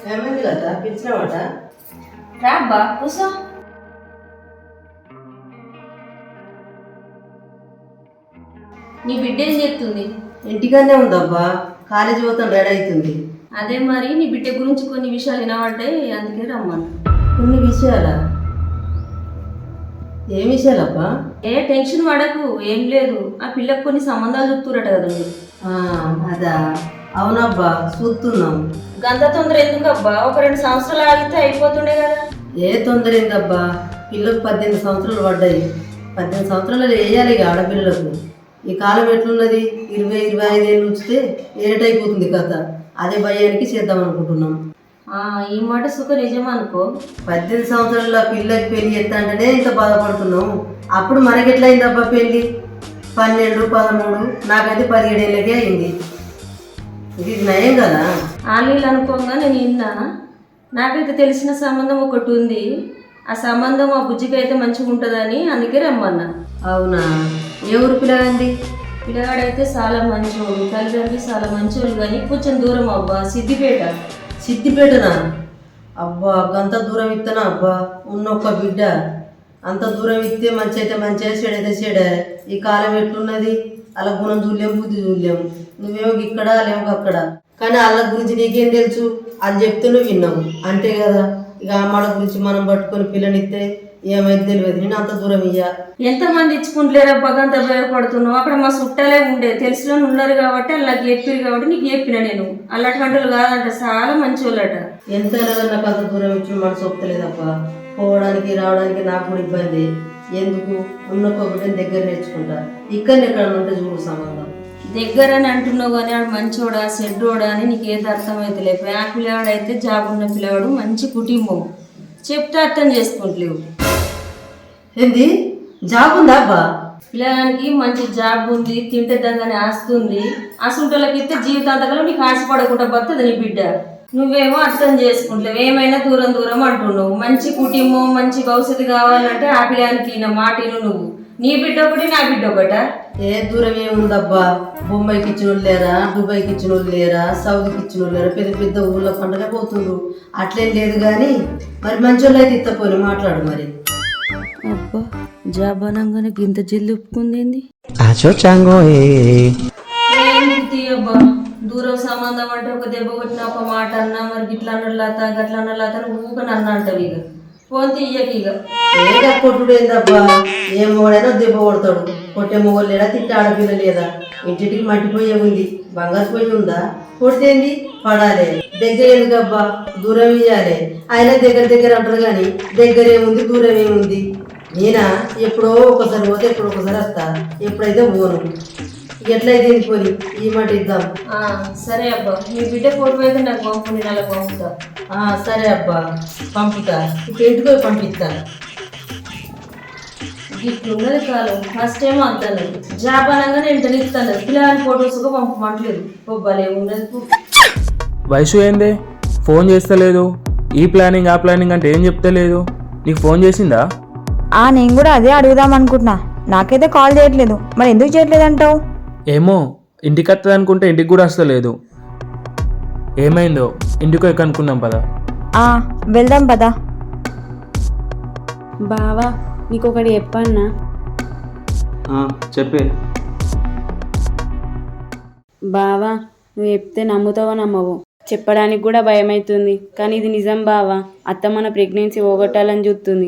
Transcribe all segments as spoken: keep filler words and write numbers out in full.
ఏమైంది కదా పిలిచినవాట? రాబ్బా కూసో. నీ బిడ్డ ఏం చేస్తుంది? ఇంటికనే ఉందబ్బా, కాలేజీ పోతాం రెడీ అవుతుంది. అదే మరి నీ బిడ్డ గురించి కొన్ని విషయాలు వినబడ్డాయి, అందుకే రమ్మను. కొన్ని విషయాలా? ఏం విషయాలబ్బా? ఏ టెన్షన్ పడకు, ఏం లేదు. ఆ పిల్లకు కొన్ని సంబంధాలు చూస్తురట కదా మీరు. అదా? అవునబ్బా, చూస్తున్నాం. గంత తొందర ఎందుకు అబ్బా? ఒక రెండు సంవత్సరాలు ఆగితే అయిపోతుండే కదా. ఏ తొందర ఏందబ్బా, పిల్లలకు పద్దెనిమిది సంవత్సరాలు పడ్డాయి. పద్దెనిమిది సంవత్సరాలు వేయాలి ఇక ఆడపిల్లలకు. ఈ కాలం ఎట్లున్నది, ఇరవై ఇరవై ఐదు ఏళ్ళు ఉంచితే ఏటైపోతుంది కథ. అదే భయానికి చేద్దాం అనుకుంటున్నాం. ఈ మాట సుఖ నిజం అనుకో. పద్దెనిమిది సంవత్సరాల పిల్లకి పెళ్లి ఎత్తాంటేనే ఇంత బాధపడుతున్నాం. అప్పుడు మనకెట్లయిందబ్బా పెళ్లి? పన్నెండు పదమూడు నాకైతే పదిహేడు ఏళ్ళకే అయింది. ఇది నయం కదా. ఆలీలు అనుకోగా నేను విన్నా. నాకైతే తెలిసిన సంబంధం ఒకటి ఉంది. ఆ సంబంధం ఆ బుజ్జికి అయితే మంచిగా ఉంటుందని అందుకే రమ్మన్నా. అవునా? ఏ ఊరు పిల్లగాంది? పిల్లగాడైతే చాలా మంచోడు, తల్లిదండ్రులు చాలా మంచోళ్ళు, కానీ కొంచెం దూరం అబ్బా, సిద్దిపేట. సిద్దిపేటనా? అబ్బా, అంత దూరం ఇస్తానా అబ్బా? ఉన్నొక్క బిడ్డ అంత దూరం ఇస్తే మంచి అయితే మంచిగా, చెడైతే చెడే. ఈ కాలం ఎట్లున్నది, అలా గుణం చూడలేము, బుద్ధి చూడలేము. నువ్వేమో ఇక్కడ లేవు అక్కడ. కానీ వాళ్ళ గురించి నీకేం తెలుసు? అది చెప్తే నువ్వు విన్నావు అంతే కదా. ఇక అమ్మాళ్ళ గురించి మనం పట్టుకొని పిల్లనిస్తే ఏమైతే తెలియదు. నేను అంత దూరం ఇయ్యా. ఎంతమంది ఇచ్చుకుంటలేరా బగంత భయపడుతున్నావు? అక్కడ మా చుట్టాలే ఉండే, తెలిసిన ఉన్నారు కాబట్టి అలా చెప్పారు కాబట్టి నీకు చెప్పిన. నేను అలాంటి వంటలు కాదంట, చాలా మంచి వాళ్ళట. ఎంత నాకు అంత దూరం ఇచ్చి మనసు ఒప్పలేదప్ప. పోవడానికి రావడానికి నాకు కూడా ఇబ్బంది. ఎందుకు ఉన్న కొబ్బరిని దగ్గర నేర్చుకుంటా. ఇక్కడ ఎక్కడ ఉంటే చూడు సంబంధం. దగ్గర అని అంటున్నావు కానీ ఆడు మంచోడా చెడ్డోడా అని నీకు ఏది అర్థమైతే లేదు. ఆ పిల్లవాడైతే జాబ్ ఉన్న పిల్లవాడు, మంచి కుటుంబం, చెప్తే అర్థం చేసుకుంటలేవు. ఏంది జాబ్ ఉందా అబ్బా? పిల్లగానికి మంచి జాబ్ ఉంది, తింటే దాని ఆస్తుంది. అసంటోళ్ళకి ఇస్తే జీవితాంతకాలం నీకు ఆశపడకుండా బతుంది నీ బిడ్డ. నువ్వేమో అర్థం చేసుకుంటలేవు, ఏమైనా దూరం దూరం అంటున్నావు. మంచి కుటుంబం, మంచి భవిష్యత్తు కావాలంటే ఆ పిల్లగానికి నా మాటను నువ్వు. నీ బిడ్డ ఒకటి, నా బిడ్డ ఒకట. ఏ దూరం ఏముందబ్బా? బొంబాయికి ఇచ్చిన వాళ్ళు లేరా, దుబాయ్కి ఇచ్చిన వాళ్ళు లేరా, సౌదీకి ఇచ్చిన వాళ్ళు లేరా? పెద్ద పెద్ద ఊళ్ళో పండుగ పోతుండ్రు. అట్లేం లేదు కానీ మరి మంచి వాళ్ళు అయితే ఇత్తపోయి మాట్లాడు మరి. అబ్బా, జాబ్ అనగానే గింత జిల్లు ఒప్పుకుంది. అబ్బా, దూరం సంబంధం అంటే ఒక దెబ్బ కొట్టిన ఒక మాట అన్నా, మరి గిట్లా అన్న లత గట్లా అన్న లత ఊక నన్ను అంటావు. ఇక ఫోన్ తీయక ఇక ఏదో కొట్టుడు ఏందబ్బా? ఏ మొగడైనా దెబ్బ కొడతాడు. కొట్టే మొగలు లేదా, తిట్టే ఆడపిల్ల లేదా? ఇంటికి మట్టిపోయే ఉంది, బంగారు పోయి ఉందా? కొడితేంది పడాలి. దగ్గర ఎందుకబ్బా, దూరం ఇయ్యాలి. ఆయన దగ్గర దగ్గర అంటారు కానీ దగ్గర ఏముంది, దూరం ఏముంది? నేనా ఎప్పుడో ఒకసారి పోతే ఎప్పుడో ఒకసారి వస్తా, ఎప్పుడైతే పోను. ఎట్లయితే పోని ఈ మాట ఇద్దాం. సరే అబ్బా, మీ బిడ్డ ఫోటో అయితే నాకు పంపు, నేను అలా పంపుతా. సరే అబ్బా, పంపుతా. ఇప్పుడు ఇంటికి పోయి పంపిస్తా. ఇట్లున్నది కాలం. ఫస్ట్ ఏమో అంటాను జాబ్ అనగానే ఇంటర్ ఇస్తాను, పిల్లలని ఫొటోస్గా పంపమంటలేదు. బొబ్బాలే ఉండదు. వయసు ఏంది, ఫోన్ చేస్తలేదు. ఈ ప్లానింగ్ ఆ ప్లానింగ్ అంటే ఏం చెప్తలేదు. నీకు ఫోన్ చేసిందా? నేను కూడా అదే అడుగుదాం అనుకుంటున్నా. నాకైతే కాల్ చేయట్లేదు, మరి ఎందుకు చేయట్లేదు అంటావు? ఏమో, ఇంటికి వస్తుంది అనుకుంటే ఇంటికి కూడా వస్తలేదు. ఏమైందో ఇంటికి ఎక్క అనుకున్నాం పదా. వెళ్దాం పదా. బావా, నీకు ఒకటి చెప్పన్నా? చెప్పే. బావా, నువ్వు చెప్తే నమ్ముతావో నమ్మవు. చెప్పడానికి కూడా భయం అవుతుంది, కానీ ఇది నిజం బావా. అత్త మన ప్రెగ్నెన్సీ పోగొట్టాలని చూస్తుంది.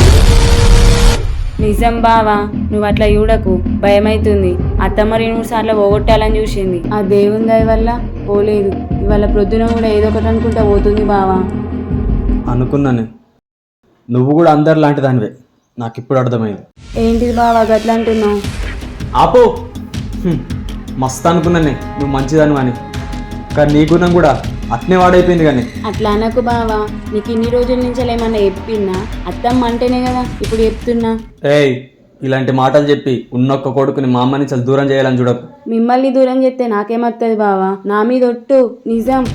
నిజం బావా, నువ్వు అట్లా చూడకు, భయమవుతుంది. అత్తమ్మ రెండు మూడు సార్లు పోగొట్టాలని చూసింది. ఆ దేవుని దయ వల్ల పోలేదు. ఇవాళ ప్రొద్దున కూడా ఏదో ఒకటి అనుకుంటా పోతుంది బావా. అనుకున్నానే, నువ్వు కూడా అందరు లాంటి దానివే. నాకు ఇప్పుడు అర్థమైంది. ఏంటిది బావా గట్లా అంటున్నావు? ఆపో, మస్తు అనుకున్నానే నువ్వు మంచిదాను అని. కానీ నీ గుణం కూడా అట్నే వాడైపోయింది. కానీ అట్లా అనకు బావా, నీకు ఇన్ని రోజుల నుంచి ఏమన్నా చెప్పినా? అత్తమ్మ అంటేనే కదా ఇప్పుడు చెప్తున్నా. ఏయ్, ఇలాంటి మాటలు చెప్పి ఉన్నొక్క కొడుకుని మా అమ్మని చాలా దూరం చేయాలని చూడకు. మిమ్మల్ని దూరం చేస్తే నాకేమత్తది బావా? నా మీద ఒట్టు, నిజం.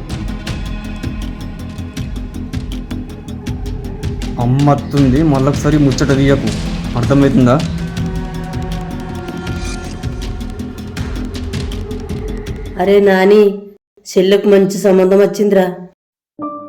అమ్మత్తుంది, మళ్ళొకసారి ముచ్చట తీయకు, అర్థమవుతుందా? అరే నాని, చెల్లెకు మంచి సంబంధం వచ్చిందిరా.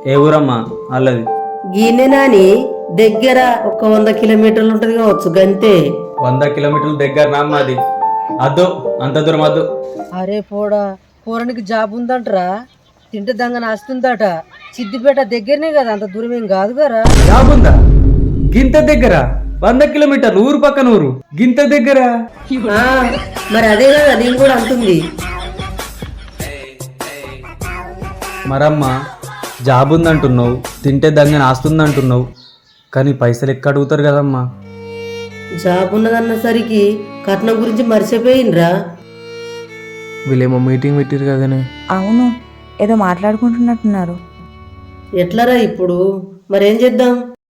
ఏ ఊరమ్మా వాళ్ళది? గీనెనాని దగ్గర ఒక వంద కిలోమీటర్లు ఉంటది కావచ్చు గంతే. వంద కిలోమీటర్ల దగ్గర నా అమ్మది. అద్దు అంత దూరం వద్దు. అరే పోడా, పోరానికి జాబ్ ఉందంటరా, తింటే దంగన వస్తుందట. సిద్దిపేట దగ్గరనే కదా, అంత దూరం ఏం కాదు కదా. జాబ్ ఉందా గింత దగ్గర? వంద కిలోమీటర్లు ఊరు పక్కన ఊరు, గింత దగ్గర? ఆ, మరి అదే కదా నేను కూడా అంటుంది. మరమ్మా జాబ్ ఉందంటున్నావు, తింటే దంగన ఆస్తుందంటున్నావు, కానీ పైసలు ఎక్కడ అడుగుతారు కదమ్మా? జాబ్ ఉన్నదన్నసరికి కట్నం గురించి మర్చిపోయినరా. వీళ్ళేమో మీటింగ్ పెట్టారు కదనే. అవును, ఏదో మాట్లాడుకుంటున్నట్టున్నారు. ఎట్లరా ఇప్పుడు మరేం చేద్దాం?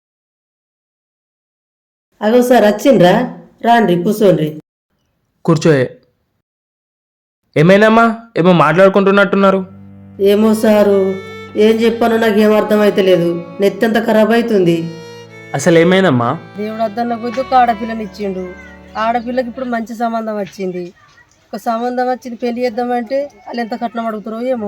అగో సార్ వచ్చిండ్రా, రాండ్రి కూర్చోండ్రి. కూర్చోయే. ఏమైనామ్మా, ఏమో మాట్లాడుకుంటున్నట్టున్నారు. ఏమో సారు, ఏం చెప్పానో నాకేం అర్థం అయితే లేదు. నెత్తంత ఖరాబ్ అవుతుంది. అసలు ఏమైందమ్మా? దేవుడు అద్దన్న కొద్ది ఒక ఆడపిల్లని ఇచ్చిండు. ఆడపిల్లకి ఇప్పుడు మంచి సంబంధం వచ్చింది. ఒక సంబంధం వచ్చింది, పెళ్లి చేద్దామంటే వాళ్ళు ఎంత కట్నం అడుగుతారో ఏమో.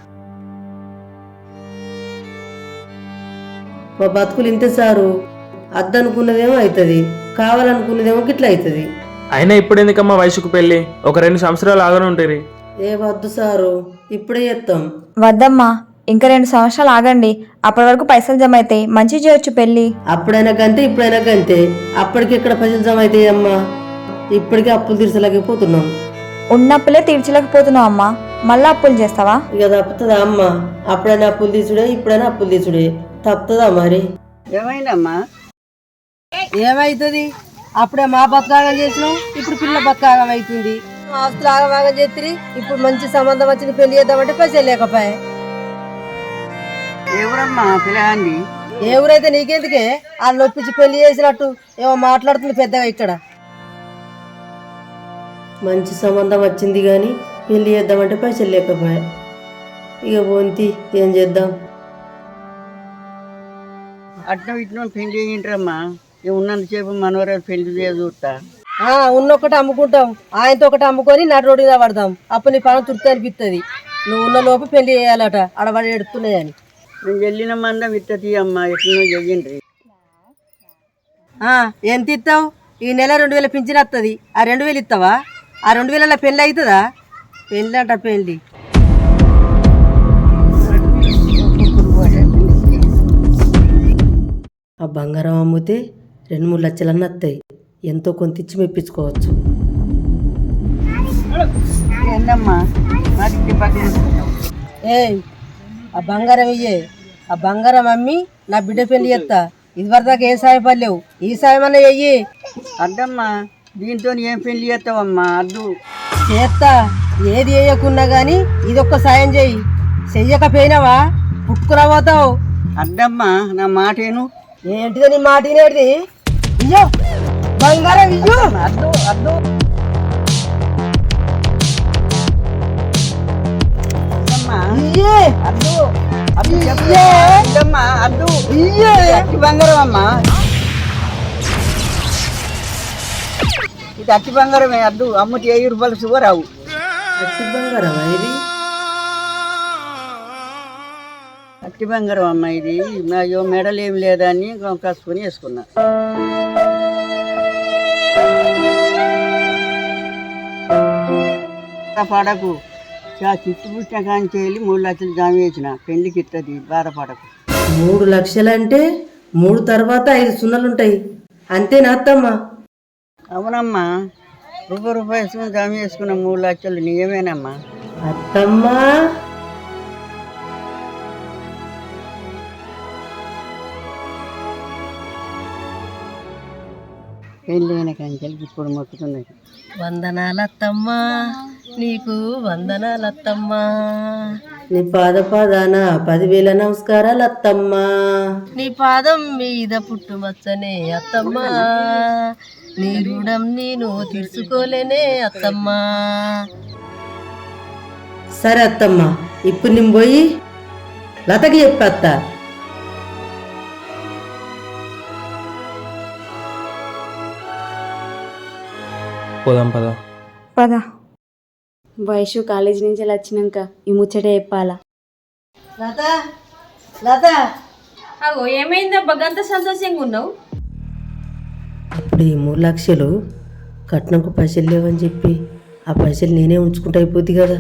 మా బతుకులు ఇంతే సారు. అద్దనుకున్నదేమో అవుతుంది, కావాలనుకున్నదేమో గిట్లా అవుతుంది. అయినా ఇప్పుడు ఎందుకమ్మా వయసుకు పెళ్ళి? ఒక రెండు సంవత్సరాలు ఆగనే ఉంటాయి. ఏ వద్దు సారు, ఇప్పుడే చేస్తాం. వద్దమ్మా, ఇంకా రెండు సంవత్సరాలు ఆగండి. అప్పటి వరకు పైసలు జమ అవుతాయి, మంచి చేయొచ్చు పెళ్ళి. అప్పుడైనా కంటే ఇప్పుడైనా కంటే. అప్పటికి ఎక్కడ పైసలు జమ అవుతాయి అమ్మా? ఇప్పటికే అప్పులు తీర్చలేకపోతున్నాం. ఉన్నప్పులే తీర్చలేకపోతున్నావు అమ్మా, మళ్ళీ అప్పులు చేస్తావా? ఇక తప్పుతుందా అమ్మా? అప్పుడైనా అప్పులు తీసుడే, ఇప్పుడైనా అప్పులు తీసుడే. తప్పుతుందా మరి? ఏమైందమ్మా? ఏమైతుంది? అప్పుడే మా బతకాగం చేసినాం, ఇప్పుడు పిల్ల బతకాగం అవుతుంది. ఆస్తులు ఆగమాగం చేతిరి, ఇప్పుడు మంచి సంబంధం వచ్చింది, పెళ్లి చేద్దామంటే పైసలు లేకపోయా. ఎవరమ్మా పిల్లగాండి? ఏ ఊరైతే నీకెందుకే? వాళ్ళు నొప్పించి పెళ్లి చేసినట్టు ఏమో మాట్లాడుతుంది పెద్దగా ఇక్కడ. మంచి సంబంధం వచ్చింది కానీ పెళ్లి చేద్దామంటే పైసలు లేకపోయా. ఇక పోంతి ఏం చేద్దాం? అట్నం ఇట్నం పెళ్లి చేయంటారమ్మా. ఉన్నంతసేపు మనవరాలు పెళ్లి చేయ చూస్తా. ఉన్నొక్కటి అమ్ముకుంటాం, ఆయనతో ఒకటి అమ్ముకొని నటు రోడ్డు మీద పడదాం. అప్పుడు నీ పని తృప్తి అనిపిస్తుంది. నువ్వు ఉన్న లోపు పెళ్లి చేయాలట, ఆడవాడు ఎడుతున్నాయని. నేను వెళ్ళిన మందం ఇత్తది అమ్మా, ఎట్లనో చెయ్యండి. ఎంత ఇస్తావు? ఈ నెల రెండు వేల పింఛన్ వస్తుంది, ఆ రెండు వేలు ఇస్తావా? ఆ రెండు వేల పెళ్ళి అవుతుందా? పెళ్ళి అంట పెళ్ళి. ఆ బంగారం అమ్మితే రెండు మూడు లక్షలన్నీ వస్తాయి. ఎంతో కొంత ఇచ్చి మెప్పించుకోవచ్చు. ఏందమ్మా నాకు ఇంటి పక్కన ఏ ఆ బంగారం ఇయ్యే. ఆ బంగారం అమ్మి నా బిడ్డ పెళ్లి చేస్తా. ఇదివరకు దాకా ఏం సాయం పడలేవు, ఈ సాయం అన్న చెయ్యి. అద్దమ్మా, దీంతో ఏం పెళ్లి చేస్తావమ్మా? అద్దు చేస్తా, ఏది వేయకున్నా గానీ ఇదొక్క సాయం చెయ్యి. చెయ్యకపోయినావా పుట్టుకురా పోతావు. అద్దమ్మా, నా మాటేను. ఏంటిదో నీ మాట వినేది? ఇయ్యో బంగారం ఇయ్యో. అద్దు అద్దు ఇయ్యే అద్దు అద్దు ఇయ్యే. అద్దమ్మా, అద్దు ఇయ్యే. అట్టి బంగారం అమ్మా, ఇది అట్టి బంగారమే. అద్దు అమ్ముటి వెయ్యి రూపాయలు సువరావు. అట్టి బంగారం ఇది? అట్టి బంగారం అమ్మ ఇది. అయ్యో మెడలు ఏం లేదా అని కసుకొని వేసుకున్నా. బాధపడకు, చిట్టు పుట్టిన కానీ వెళ్ళి మూడు లక్షలు జామ వేసిన పెళ్లికి ఇస్తుంది. బాధపడకు. మూడు లక్షలంటే మూడు తర్వాత ఐదు సున్నలుంటాయి అంతేనా అత్తమ్మా? అవునమ్మా, రూపాయి రూపాయి వేసుకుని జామ వేసుకున్న మూడు లక్షలు నిజమేనమ్మా. అత్తమ్మా పెళ్ళైన కంచెలకి ఇప్పుడు మొక్కుతున్నది. వందనాలత్తమ్మా, నీకు వందనాలత్తమ్మా. నీ పాద పాదాన పదివేల నమస్కారాలు అత్తమ్మా. నీ పాదం మీద పుట్టుమచ్చనే అత్తమ్మా, నీ రుణం నేను తీర్చుకోలేనే అత్తమ్మా. సరే అత్తమ్మా, ఇప్పుడు నేను పోయి లతకి చెప్పేస్తా. పోదాం పద. పదా. వయసు కాలేజీ నుంచి వచ్చినాక ఈ ముచ్చట చెప్పాలా? లత లత అగో ఏమైందబ్బా గంత సంతోషంగా ఉన్నావు? ఇప్పుడు ఈ మూడు లక్షలు కట్నంకు పైసలు లేవని చెప్పి ఆ పైసలు నేనే ఉంచుకుంటా అయిపోద్ది కదా.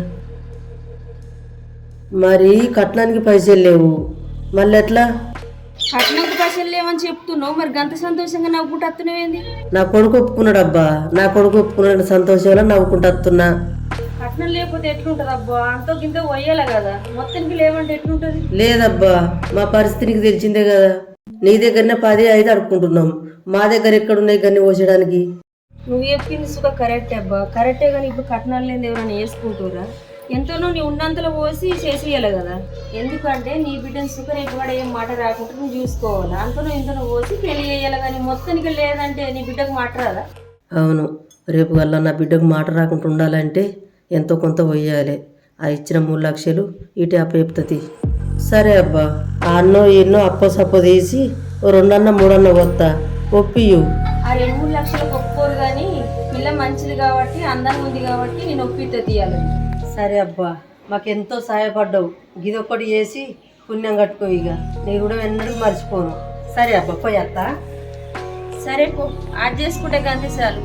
మరి కట్నానికి పైసలు లేవు, మళ్ళీ ఎట్లా? కట్నంకు పైసలు లేవని చెప్తున్నావు, మరి గంత సంతోషంగా నవ్వుకుంటూ వస్తున్నావేంది? నా కొడుకు ఒప్పుకున్నాడు అబ్బా, నా కొడుకు ఒప్పుకున్నాడు సంతోషంగా నవ్వుకుంటూ వస్తున్నా. కట్నం లేకపోతే ఎట్లుంటది అబ్బా? అంతో గింత పోయేలా కదా, మొత్తానికి లేవంటే ఎట్లుంటది? లేదబ్బా, మా పరిస్థితి నీకు తెలిసిందే కదా. నీ దగ్గరనే పది ఐదు అడుక్కుంటున్నాం, మా దగ్గర ఎక్కడున్నాయి గన్ని పోసడానికి. నువ్వు చెప్పింది సుఖ కరెక్టే అబ్బా, కరెక్టే. కానీ ఇప్పుడు కట్నాలు లేని ఎవరైనా వేసుకుంటురా? ఎంతనో నీ ఉన్నంతలో పోసి చేసేయాలి కదా. ఎందుకంటే నీ బిడ్డను సుఖ రేపు కూడా ఏం మాట రాకుండా నువ్వు చూసుకోవాలి. అంతనో ఇంతనో పోసి పెళ్లి చేయాలి. కానీ మొత్తానికి లేదంటే నీ బిడ్డకు మాట రాదా? అవును, రేపు వల్ల నా బిడ్డకు మాట రాకుండా ఉండాలంటే ఎంతో కొంత పోయాలి. ఆ ఇచ్చిన మూడు లక్షలు ఇటు అప్పేపుతుంది. సరే అబ్బా, ఆ అన్నో ఎన్నో అప్పో సప్పో తీసి ఓ రెండన్న మూడన్న వస్తా, ఒప్పియు. ఆ రెండు మూడు లక్షలకు ఒప్పుకోరు. కానీ పిల్ల మంచిది కాబట్టి అందంగా ఉంది కాబట్టి నేను ఒప్పితే తీయాలి. సరే అబ్బా, మాకెంతో సహాయపడ్డావు, గిదొక్కటి చేసి పుణ్యం కట్టుకో. ఇక నేను కూడా ఎన్నడూ మర్చిపోను. సరే అబ్బా, పోయేస్తా. సరే పో, అది చేసుకుంటే గంతే చాలు.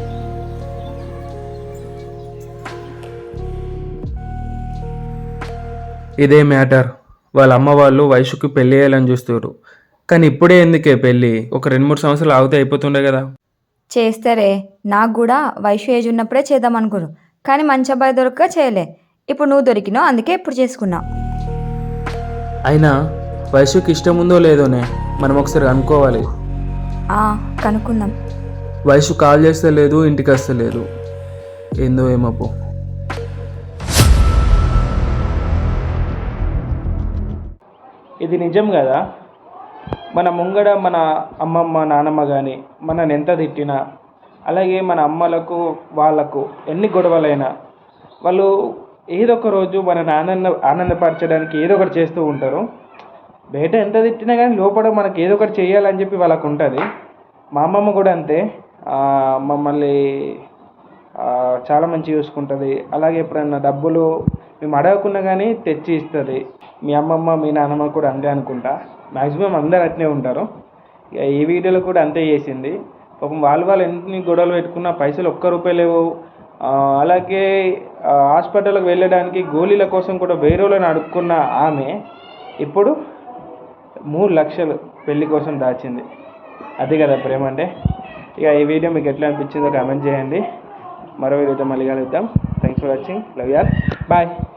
ఇదే మ్యాటర్. వాళ్ళ అమ్మ వాళ్ళు వయసుకి పెళ్ళి చేయాలని చూస్తారు. కానీ ఇప్పుడే ఎందుకే పెళ్ళి? ఒక రెండు మూడు సంవత్సరాలు ఆగితే అయిపోతుండే కదా. చేస్తారే, నాకు కూడా వయసు ఏజ్ ఉన్నప్పుడే చేద్దాం అనుకోరు, కానీ మంచి అబ్బాయి దొరక్క చేయలే. ఇప్పుడు నువ్వు దొరికినావు, అందుకే ఇప్పుడు చేసుకున్నావు. అయినా వయసుకి ఇష్టం ఉందో లేదోనే మనం ఒకసారి అనుకోవాలి. ఆ, కనుక్కుందాం. వయసు కాల్ చేస్తే లేదు, ఇంటికి వస్తే లేదు, ఏందో ఏమో. ఇది నిజం కదా. మన ముంగడ మన అమ్మమ్మ నానమ్మ కానీ మనని ఎంత తిట్టినా, అలాగే మన అమ్మలకు వాళ్ళకు ఎన్ని గొడవలైనా వాళ్ళు ఏదో ఒక రోజు మనని ఆనంద ఆనందపరచడానికి ఏదో ఒకటి చేస్తూ ఉంటారు. బయట ఎంత తిట్టినా కానీ లోపల మనకి ఏదో ఒకటి చేయాలని చెప్పి వాళ్ళకు ఉంటుంది. మా అమ్మమ్మ కూడా అంతే, మమ్మల్ని చాలా మంచిగా చూసుకుంటుంది. అలాగే ఎప్పుడన్నా డబ్బులు మేము అడగకున్నా కానీ తెచ్చి ఇస్తుంది. మీ అమ్మమ్మ మీ నాన్నమ్మ కూడా అంతే అనుకుంటా. మ్యాక్సిమం అందరు అట్నే ఉంటారు. ఇక ఈ వీడియోలో కూడా అంతే చేసింది. పాపం వాళ్ళు వాళ్ళు ఎన్ని గొడవలు పెట్టుకున్నా పైసలు ఒక్క రూపాయి లేవు. అలాగే హాస్పిటల్కి వెళ్ళడానికి గోళీల కోసం కూడా వేరే వాళ్ళని అడుక్కున్న ఆమె ఇప్పుడు మూడు లక్షలు పెళ్లి కోసం దాచింది. అది కదా ప్రేమ అంటే. ఇక ఈ వీడియో మీకు ఎట్లా అనిపించిందో కామెంట్ చేయండి. మరో వీడియోతో మళ్ళీ కలుద్దాం. Thanks for watching. Love you all. Bye.